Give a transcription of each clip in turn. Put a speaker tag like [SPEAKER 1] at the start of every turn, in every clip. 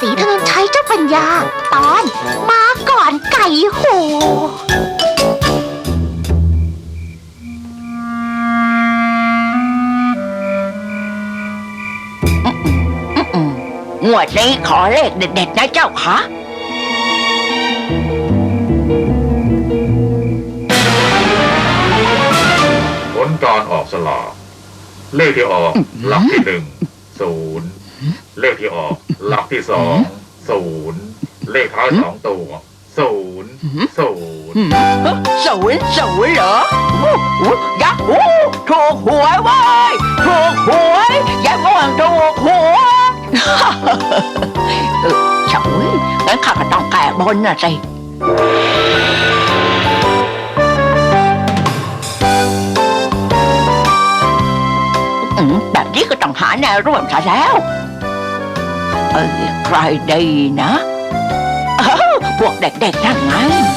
[SPEAKER 1] ษีถนนชัยเจ้าปัญญาตอนมาก่อนไก่โห
[SPEAKER 2] งวดนี้ขอเลขเด็ดๆนะเจ้าคะ
[SPEAKER 3] ผลการออกสลากเลขที่ออกหลักที่1 0เลขที่ออกหลักที่2 0เลขท้าย2 ตัว0
[SPEAKER 2] 0เหรอยักษ์ถูกหวยเว้ยถูกหวยยายม่วงถูกหวยเฉยงั้นข้าก็ต้องแก้บนน่ะสิแบบนี้ก็ต้องหาแนวร่วมซะแล้วใครดีนะพวกเด็กๆนั่นไง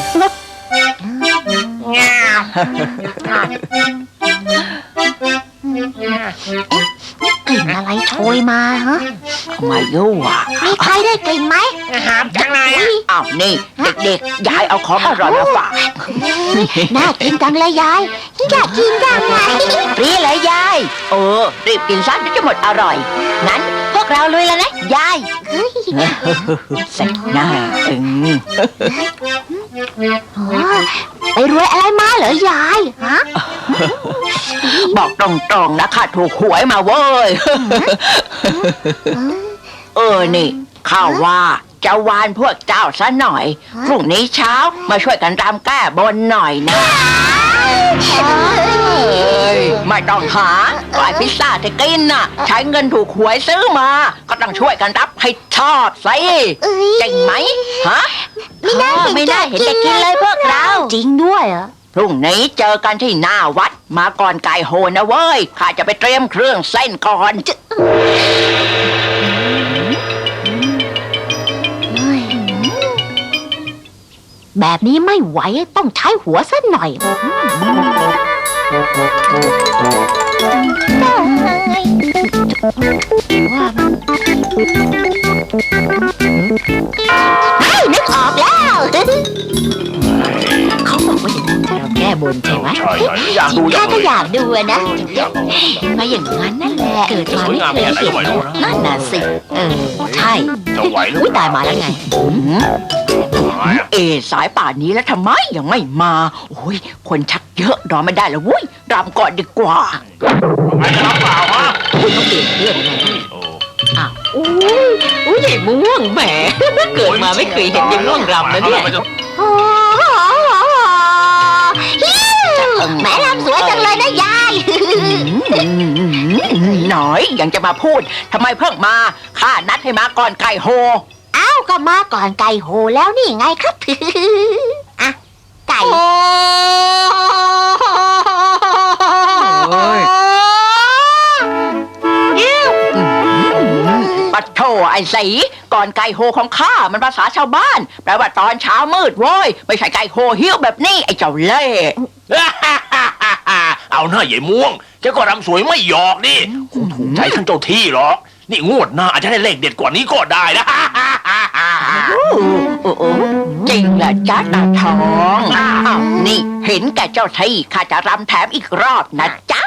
[SPEAKER 1] กลิ่นอะไรโชยมาฮะ
[SPEAKER 2] ไม่รู้อ่ะ
[SPEAKER 1] มีใครได้กลิ่นไหม
[SPEAKER 4] หามจังเลยอ่ะ
[SPEAKER 2] อ้าวนี่เด็กๆยายเอาของอร่อยมาฝาก
[SPEAKER 1] น่ากินจังเลยยายอยากกินจังไง
[SPEAKER 2] นี่เลยยายรีบกินซะเดี๋ยวจะหมดอร่อยงั้นพวกเราลุยแล้วนะยายเสร็จหน้า
[SPEAKER 1] ไปรวยอะไรมาเหรอยายฮะ
[SPEAKER 2] บอกตรงๆนะค่ะถูกหวยมาเว้ยนี่ข้าว่าจะวานพวกเจ้าซะหน่อยพรุ่งนี้เช้ามาช่วยกันรำแก้บนหน่อยนะไม่ต้องหาไก่พิซซ่าจะกินน่ะใช้เงินถูกหวยซื้อมาก็ต้องช่วยกันรับให้ชอบสิจริงไหมฮะ
[SPEAKER 1] ไม่น่าเห็นจะกินเลยพวกเราจริงด้วยเหรอ
[SPEAKER 2] พรุ่งนี้เจอกันที่หน้าวัดมาก่อนไก่โหนะเว้ยข้าจะไปเตรียมเครื่องเส้นก่อน
[SPEAKER 1] แบบนี้ไม่ไหวต้องใช้หัวสักหน่อยนึกออกแล้วเขาบอกว่าอย่างนั้นเราแก้บนใช่ไหมถ้าก็อยากดูนะมาอย่างนั้นนั่นแหละเกิดมาไม่เคยเห็นนั่นน่ะสิใช่อุ้ยตายมาแล้วไง
[SPEAKER 2] สายป่านนี้แล้วทำไมยังไม่มาโอ้ยคนชักเยอะรอไม่ได้แล้ววุ้ยรำก่อนดีกว่า
[SPEAKER 4] ไม่รับเปล่าฮะ
[SPEAKER 1] ต้องเปลี่ยนเรื่องไงอ้าวอุ้ยใหญ่ม่วงแหมเกิดมาไม่เคยเห็นยังม่วงรำนะเนี่ยแม่รำสวยจังเลยนะยาย
[SPEAKER 2] หน่อยยังจะมาพูดทำไมเพิ่งมาข้านัดให้มาก่อนไก่โฮ
[SPEAKER 1] อ้าวก็มาก่อนไก่โหแล้วนี่ไงครับอ่ะไก่
[SPEAKER 2] ปัดโถไอ้สีก่อนไก่โฮของข้ามันภาษาชาวบ้านแปลว่าตอนเช้ามืดโว้ยไม่ใช่ไก่โฮเหี้ยวแบบนี้ไอ้เจ้าเล่
[SPEAKER 4] เอาหน้าใหญ่ม่วงแกก็รำสวยไม่หยอกนี่คงถูกใจท่านเจ้าที่หรอกนี่งวดหน้าอาจจะได้เลขเด็ดกว่านี้ก็ได้นะ
[SPEAKER 2] จริงเหรอจ๊ะตาทองนี่เห็นแก่เจ้าที่ข้าจะรำแถมอีกรอบนะจ๊ะ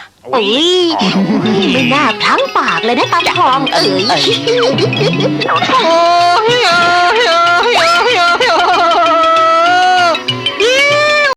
[SPEAKER 1] ไม่น่าพลั้งปากเลยนะตาทอง